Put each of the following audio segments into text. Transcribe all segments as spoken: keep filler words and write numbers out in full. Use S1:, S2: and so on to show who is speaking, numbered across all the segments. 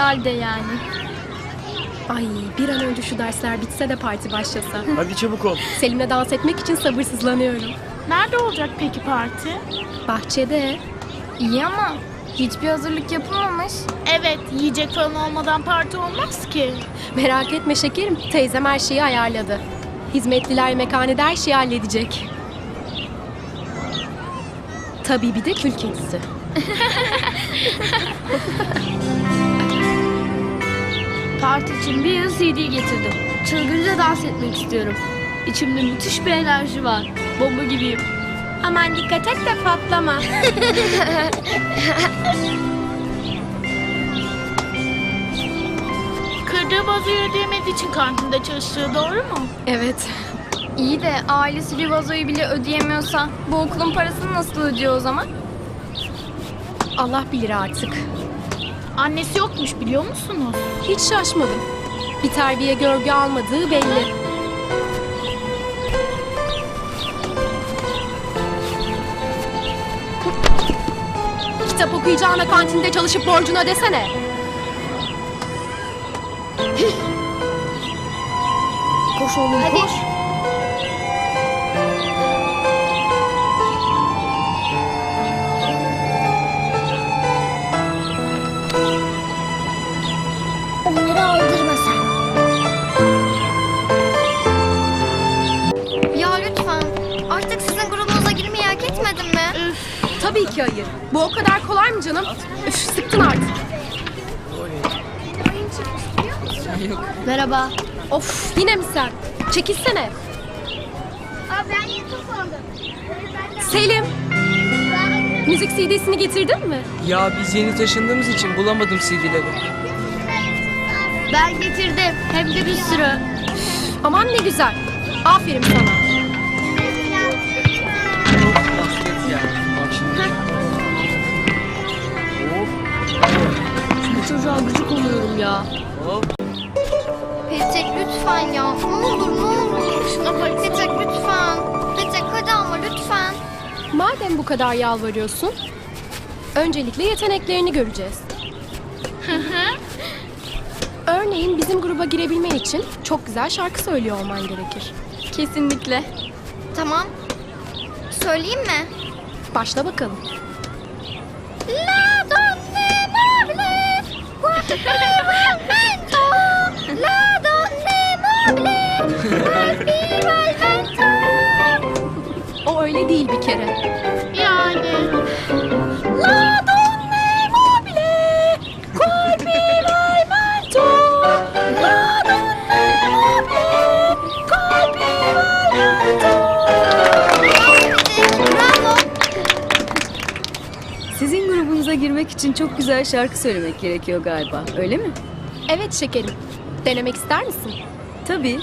S1: Herhalde yani.
S2: Ay bir an önce şu dersler bitse de parti başlasa.
S3: Hadi çabuk ol.
S2: Selim'le dans etmek için sabırsızlanıyorum.
S4: Nerede olacak peki parti?
S2: Bahçede.
S1: İyi ama hiçbir hazırlık yapılmamış.
S4: Evet, yiyecek falan olmadan parti olmaz ki.
S2: Merak etme şekerim. Teyzem her şeyi ayarladı. Hizmetliler mekhanede her şeyi halledecek. Tabii bir de kül kedisi.
S5: Parti için bir yıl C D getirdim. Çılgınca dans etmek istiyorum. İçimde müthiş bir enerji var. Bomba gibiyim.
S2: Aman dikkat et de patlama.
S4: Kırdığı vazoyu ödeyemediği için kantinde çalıştığı doğru mu?
S2: Evet.
S1: İyi de ailesi bir vazoyu bile ödeyemiyorsa bu okulun parasını nasıl ödüyor o zaman?
S2: Allah bilir artık.
S4: Annesi yokmuş biliyor musunuz?
S2: Hiç şaşmadım. Bir terbiye görgü almadığı belli. Kitap okuyacağına kantinde çalışıp borcunu ödesene. Koş oğlum
S1: Hadi.
S2: koş.
S6: Onları aldırma sen.
S1: Ya lütfen. Artık sizin grubunuza girmeyi hak etmedim mi?
S2: Tabii ki hayır. Bu o kadar kolay mı canım? Üf, sıktın artık.
S5: Merhaba.
S2: Of yine mi sen? Çekilsene.
S6: Aa, ben yeni topladım.
S2: Selim. Müzik C D'sini getirdin mi?
S7: Ya biz yeni taşındığımız için bulamadım C D'leri.
S5: Ben getirdim. Hem de bir sürü.
S2: Aman ne güzel. Aferin sana.
S7: Basket ya. Bak şimdi.
S5: Bu çocuğa gıcık oluyorum ya.
S7: Hop.
S1: Petek lütfen ya. Ne olur ne olur. Şuna bak. Petek lütfen. Petek hadi ama lütfen.
S2: Madem bu kadar yalvarıyorsun, öncelikle yeteneklerini göreceğiz. Örneğin bizim gruba girebilmen için çok güzel şarkı söylüyor olman gerekir.
S1: Kesinlikle. Tamam. Söyleyeyim mi?
S2: Başla bakalım.
S1: La donne mobile, guarda la donne mobile, guarda vento.
S2: O öyle değil bir kere.
S4: Yani.
S2: La donne mobile, colpi vento. La donne mobile, colpi vento.
S1: Bravo.
S8: Sizin grubunuza girmek için çok güzel şarkı söylemek gerekiyor galiba, öyle mi?
S2: Evet şekerim. Denemek ister misin?
S8: Tabii.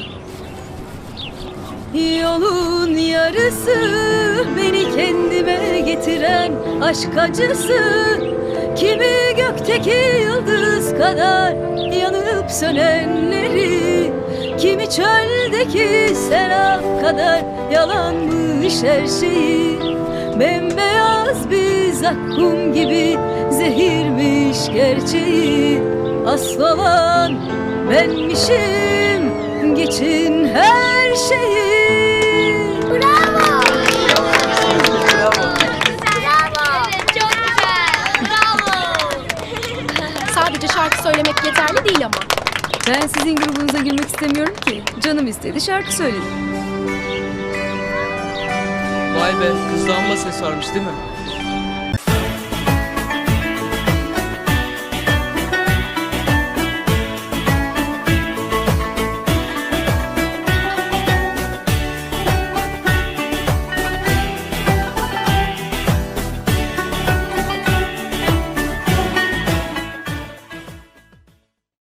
S8: Yolun yarısı beni kendime getiren aşk acısı. Kimi gökteki yıldız kadar yanıp sönenleri, kimi çöldeki serap kadar yalanmış her şeyi. Bembeyaz bir zakkum gibi zehirmiş gerçeği. Asıl olan benmişim, geçin her şeyi.
S1: Bravo.
S7: Bravo.
S1: Bravo. Çok güzel. Bravo.
S2: Sadece şarkı söylemek yeterli değil ama.
S8: Ben sizin grubunuza girmek istemiyorum ki. Canım istedi, şarkı söyledim.
S7: Vay be, kızda amma ses varmış değil mi?